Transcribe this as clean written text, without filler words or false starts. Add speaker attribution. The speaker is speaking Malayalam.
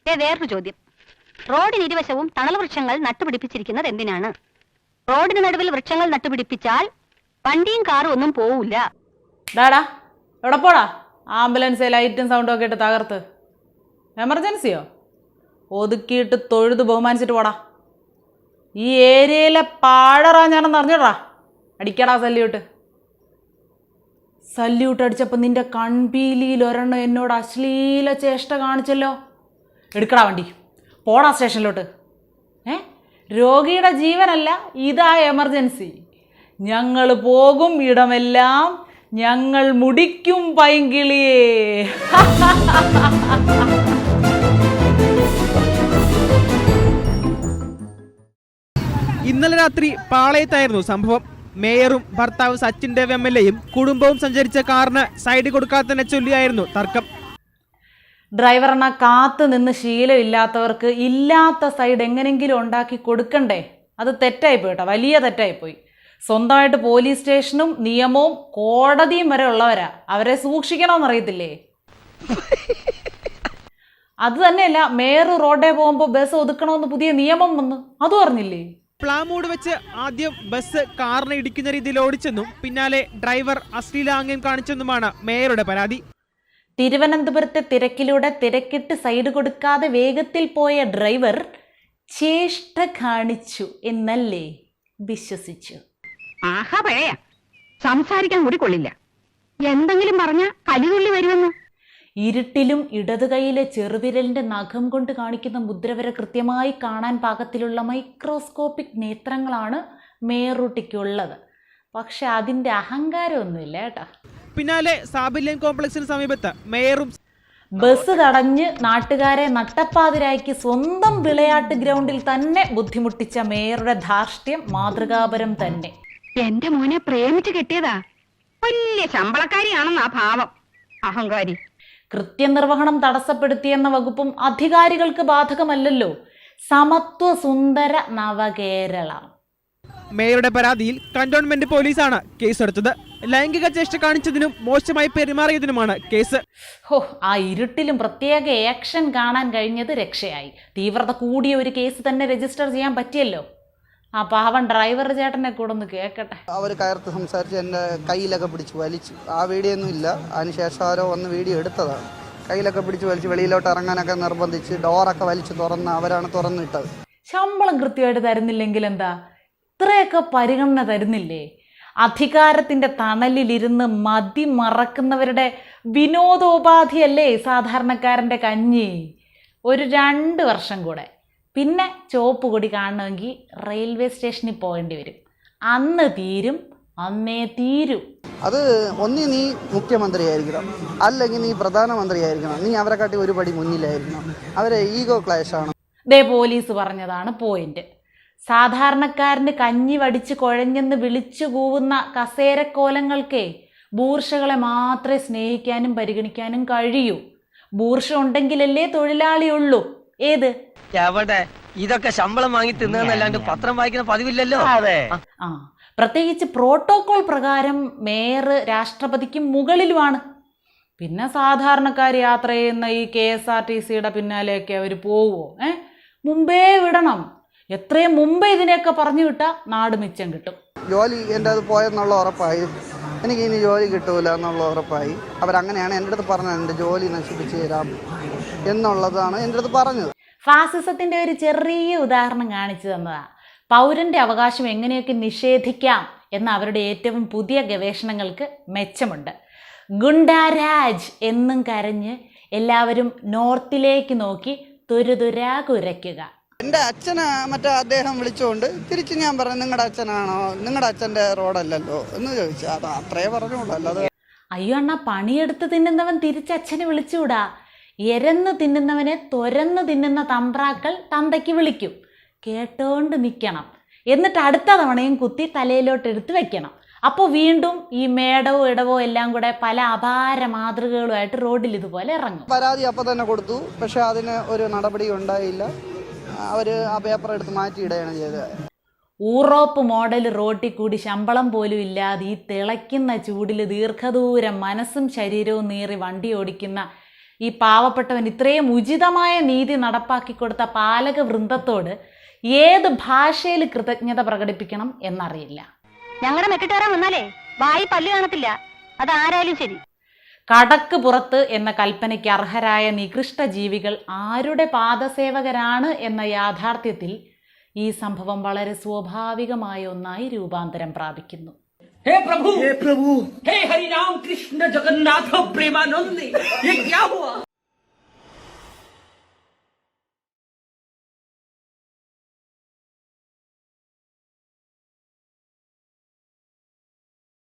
Speaker 1: വേറൊരു ചോദ്യം. റോഡിനിരുവശവും തണൽ വൃക്ഷങ്ങൾ നട്ടുപിടിപ്പിച്ചിരിക്കുന്നത് എന്തിനാണ്? റോഡിന് നടുവിൽ വൃക്ഷങ്ങൾ നട്ടുപിടിപ്പിച്ചാൽ വണ്ടിയും കാറും ഒന്നും പോവില്ല.
Speaker 2: ഡാടാ എവിടെ പോടാ? ആംബുലൻസ് ലൈറ്റും സൗണ്ടും ഒക്കെ ഇട്ട് തകർത്ത്. എമർജൻസിയോ? ഒതുക്കിയിട്ട് തൊഴുത് ബഹുമാനിച്ചിട്ട് പോടാ. ഈ ഏരിയയിലെ പാഴറാ ഞാനെന്ന് അറിഞ്ഞോടാ. അടിക്കടാ സല്യൂട്ട്. സല്യൂട്ട് അടിച്ചപ്പോൾ നിന്റെ കൺപീലിയിൽ ഒരെണ്ണം എന്നോട് അശ്ലീല ചേഷ്ട കാണിച്ചല്ലോ. എടുക്കടാ വണ്ടി, പോടാ സ്റ്റേഷനിലോട്ട്. രോഗിയുടെ ജീവനല്ല, ഇതാ എമർജൻസി. ഞങ്ങൾ പോകും ഇടമെല്ലാം ഞങ്ങൾ മുടിക്കും പൈങ്കിളിയേ.
Speaker 3: ഇന്നലെ രാത്രി പാളയത്തായിരുന്നു സംഭവം. മേയറും ഭർത്താവ് സച്ചിൻ ദേവ് MLAയും കുടുംബവും സഞ്ചരിച്ച കാറിന് സൈഡ് കൊടുക്കാത്തതിനെ ചൊല്ലിയായിരുന്നു തർക്കം.
Speaker 2: ഡ്രൈവറിനെ കാത്തു നിന്ന് ശീലമില്ലാത്തവർക്ക് ഇല്ലാത്ത സൈഡ് എങ്ങനെങ്കിലും ഉണ്ടാക്കി കൊടുക്കണ്ടേ? അത് തെറ്റായിപ്പോയി കേട്ടോ, വലിയ തെറ്റായിപ്പോയി. സ്വന്തമായിട്ട് പോലീസ് സ്റ്റേഷനും നിയമവും കോടതിയും വരെ ഉള്ളവരാ. അവരെ സൂക്ഷിക്കണമെന്നറിയത്തില്ലേ? അത് തന്നെയല്ല, മേയർ റോഡേ പോകുമ്പോൾ ബസ് ഒതുക്കണമെന്ന് പുതിയ നിയമം വന്നു, അതും അറിഞ്ഞില്ലേ?
Speaker 3: പ്ലാമൂട് വെച്ച് ആദ്യം ബസ് കാറിനെ ഇടിക്കുന്ന രീതിയിൽ ഓടിച്ചെന്നും പിന്നാലെ ഡ്രൈവർ അശ്ലീലാംഗ്യം കാണിച്ചെന്നുമാണ് മേയറുടെ പരാതി.
Speaker 2: തിരുവനന്തപുരത്തെ തിരക്കിലൂടെ തിരക്കിട്ട് സൈഡ് കൊടുക്കാതെ വേഗത്തിൽ പോയ ഡ്രൈവർ ചേഷ്ട കാണിച്ചു എന്നല്ലേ വിശ്വസിച്ചു.
Speaker 1: ആഹാ പഴയ സംസാരിക്കാൻ കൂടി കൊള്ളില്ല. എന്തെങ്കിലും പറഞ്ഞ കലിതുള്ളി വരുമെന്ന്.
Speaker 2: ഇരുട്ടിലും ഇടതു കൈയിലെ ചെറുവിരലിന്റെ നഖം കൊണ്ട് കാണിക്കുന്ന മുദ്ര വരെ കൃത്യമായി കാണാൻ പാകത്തിലുള്ള മൈക്രോസ്കോപ്പിക് നേത്രങ്ങളാണ് മേയറൂട്ടിക്കുള്ളത്. പക്ഷെ അതിന്റെ അഹങ്കാരമൊന്നുമില്ല കേട്ടാ.
Speaker 3: പിന്നാലെ സാബില്യൻ കോംപ്ലക്സിന് സമീപത്ത് മേയറും
Speaker 2: ബസ് തടഞ്ഞ് നാട്ടുകാരെ നട്ടപ്പാതിരാക്കി സ്വന്തം വിളയാട്ട് ഗ്രൗണ്ടിൽ തന്നെ ബുദ്ധിമുട്ടിച്ച മേയറുടെ ധാർഷ്ട്യം മാതൃകാപരം തന്നെ.
Speaker 1: എന്റെ മോനെ പ്രേമിച്ച് കെട്ടിയതാ. വലിയ ശമ്പളക്കാരിയാണെന്നാ ഭാവം. അഹങ്കാരി.
Speaker 2: കൃത്യനിർവഹണം തടസ്സപ്പെടുത്തിയെന്ന വകുപ്പും അധികാരികൾക്ക് ബാധകമല്ലല്ലോ. സമത്വ സുന്ദര നവകേരള.
Speaker 3: മേയറുടെ പരാതിയിൽ കന്റോൺമെന്റ് പോലീസാണ് കേസെടുത്തത്. ലൈംഗിക ചേഷ്ട കാണിച്ചതിനും മോശമായി പെരുമാറിയതിനുമാണ് കേസ്.
Speaker 2: ആ ഇരുട്ടിലും പ്രത്യേക ആക്ഷൻ കാണാൻ കഴിഞ്ഞത് രക്ഷയായി. തീവ്രത കൂടിയ ഒരു കേസ് തന്നെ രജിസ്റ്റർ ചെയ്യാൻ പറ്റിയല്ലോ. ആ പാവൻ ഡ്രൈവർ ചേട്ടനെ കൂടെ ഒന്ന് കേൾക്കട്ടെ.
Speaker 4: അവർ കയർത്ത് സംസാരിച്ച് എൻ്റെ കയ്യിലൊക്കെ പിടിച്ച് വലിച്ചു. ആ വീഡിയോ ഒന്നും ഇല്ല, അതിനുശേഷം ആരോ വന്ന് വീഡിയോ എടുത്തതാണ്. കയ്യിലൊക്കെ പിടിച്ച് വലിച്ച് വെളിയിലോട്ട് ഇറങ്ങാനൊക്കെ നിർബന്ധിച്ച് ഡോറൊക്കെ വലിച്ച് തുറന്ന് അവരാണ് തുറന്നിട്ടത്. ശമ്പളം
Speaker 2: കൃത്യമായിട്ട് തരുന്നില്ലെങ്കിൽ എന്താ? ഇത്രയൊക്കെ പരിഗണന തരുന്നില്ലേ? അധികാരത്തിൻ്റെ തണലിലിരുന്ന് മതി മറക്കുന്നവരുടെ വിനോദോപാധിയല്ലേ സാധാരണക്കാരൻ്റെ കഞ്ഞി. ഒരു 2 വർഷം കൂടെ, പിന്നെ ചുവപ്പ് കൊടി കാണണമെങ്കിൽ റെയിൽവേ സ്റ്റേഷനിൽ പോകേണ്ടി വരും. അന്ന് തീരും, അന്നേ തീരും.
Speaker 4: അത് ഒന്നി നീ മുഖ്യമന്ത്രിയായിരിക്കണം, അല്ലെങ്കിൽ നീ പ്രധാനമന്ത്രിയായിരിക്കണം. നീ അവരെ കാട്ടി ഒരു പടി മുന്നിലായിരിക്കണം. അവരെ ഈഗോ ക്ലാഷാണ്.
Speaker 2: ദേ പോലീസ് പറഞ്ഞതാണ് പോയിന്റ്. സാധാരണക്കാരന് കഞ്ഞി വടിച്ച് കുഴഞ്ഞെന്ന് വിളിച്ചു കൂവുന്ന കസേരക്കോലങ്ങൾക്കേ ബൂർഷകളെ മാത്രമേ സ്നേഹിക്കാനും പരിഗണിക്കാനും കഴിയൂ. ബൂർഷ ഉണ്ടെങ്കിലല്ലേ തൊഴിലാളിയുള്ളൂ. ഏത്
Speaker 5: എവിടെ ഇതൊക്കെ ശമ്പളം വാങ്ങി തിന്നല്ലാണ്ട് പത്രം വായിക്കുന്ന പതിവില്ലല്ലോ.
Speaker 2: പ്രത്യേകിച്ച് പ്രോട്ടോകോൾ പ്രകാരം മേയർ രാഷ്ട്രപതിക്ക് മുകളിലുമാണ്. പിന്നെ സാധാരണക്കാർ യാത്ര ചെയ്യുന്ന ഈ KSRTCയുടെ പിന്നാലെയൊക്കെ അവർ പോവുമോ? മുമ്പേ വിടണം. എത്രയും മുമ്പേ ഇതിനെയൊക്കെ പറഞ്ഞു വിട്ടാൽ നാട് മിച്ചം കിട്ടും.
Speaker 4: ജോലി എൻ്റെ അത് പോയെന്നുള്ള ഉറപ്പായി. എനിക്ക് ഇനി ജോലി കിട്ടൂല എന്നുള്ള ഉറപ്പായി. അവരങ്ങനെയാണ് എൻ്റെ അടുത്ത് പറഞ്ഞത്, എൻ്റെ ജോലി നശിപ്പിച്ച് തരാം എന്നുള്ളതാണ് എൻ്റെ അടുത്ത് പറഞ്ഞത്.
Speaker 2: ഫാസിസത്തിൻ്റെ ഒരു ചെറിയ ഉദാഹരണം കാണിച്ചു തന്നതാ. പൗരൻ്റെ അവകാശം എങ്ങനെയൊക്കെ നിഷേധിക്കാം എന്ന അവരുടെ ഏറ്റവും പുതിയ ഗവേഷണങ്ങൾക്ക് മെച്ചമുണ്ട്. ഗുണ്ടാരാജ് എന്നും കരഞ്ഞ് എല്ലാവരും നോർത്തിലേക്ക് നോക്കി തുരുതുരാ കുരയ്ക്കുക.
Speaker 4: എൻ്റെ അച്ഛനെ മറ്റേ അദ്ദേഹം വിളിച്ചുകൊണ്ട് തിരിച്ച് ഞാൻ പറഞ്ഞു, നിങ്ങളുടെ അച്ഛനാണോ, നിങ്ങളുടെ അച്ഛൻ്റെ റോഡല്ലല്ലോ എന്ന് ചോദിച്ചു. അത് അത്രേ പറഞ്ഞുള്ളൂ, അല്ലാതെ.
Speaker 2: അയ്യോ അണ്ണാ, പണിയെടുത്ത് തിന്നുന്നവൻ തിരിച്ചച്ഛനെ വിളിച്ചുകൂടാ. എരന്ന് തിന്നുന്നവനെ തുരന്ന് തിന്നുന്ന തമ്പ്രാക്കൾ തന്തയ്ക്ക് വിളിക്കും. കേട്ടോണ്ട് നിൽക്കണം. എന്നിട്ട് അടുത്ത തവണയും കുത്തി തലയിലോട്ട് എടുത്ത് വെക്കണം. അപ്പോൾ വീണ്ടും ഈ മേടവോ ഇടവോ എല്ലാം കൂടെ പല അപാര മാതൃകകളുമായിട്ട് റോഡിൽ ഇതുപോലെ ഇറങ്ങും.
Speaker 4: പരാതി അപ്പം തന്നെ കൊടുത്തു, പക്ഷെ അതിന് ഒരു നടപടി ഉണ്ടായില്ല. അവർ ആ പേപ്പർ എടുത്ത് മാറ്റിയിടുകയാണ് ചെയ്തത്.
Speaker 2: യൂറോപ്പ് മോഡൽ റോട്ടിൽ കൂടി ശമ്പളം പോലും ഇല്ലാതെ ഈ തിളയ്ക്കുന്ന ചൂടിൽ ദീർഘദൂരം മനസ്സും ശരീരവും നീറി വണ്ടി ഓടിക്കുന്ന ഈ പാവപ്പെട്ടവൻ ഇത്രയും ഉചിതമായ നീതി നടപ്പാക്കി കൊടുത്ത പാലക വൃന്ദത്തോട് ഏത് ഭാഷയിൽ കൃതജ്ഞത പ്രകടിപ്പിക്കണം എന്നറിയില്ല.
Speaker 1: ഞങ്ങളുടെ മെക്കിട്ടേറാൻ വന്നാലേ വായി പല്ല് കാണത്തില്ല, അത് ആരായാലും ശരി.
Speaker 2: കടക്ക് പുറത്ത് എന്ന കൽപ്പനയ്ക്ക് അർഹരായ നികൃഷ്ട ജീവികൾ ആരുടെ പാദസേവകരാണ് എന്ന യാഥാർത്ഥ്യത്തിൽ ഈ സംഭവം വളരെ സ്വാഭാവികമായ ഒന്നായി രൂപാന്തരം പ്രാപിക്കുന്നു.
Speaker 6: हे प्रभु हे हरि राम कृष्ण जगन्नाथ प्रेमानंद ये क्या हुआ?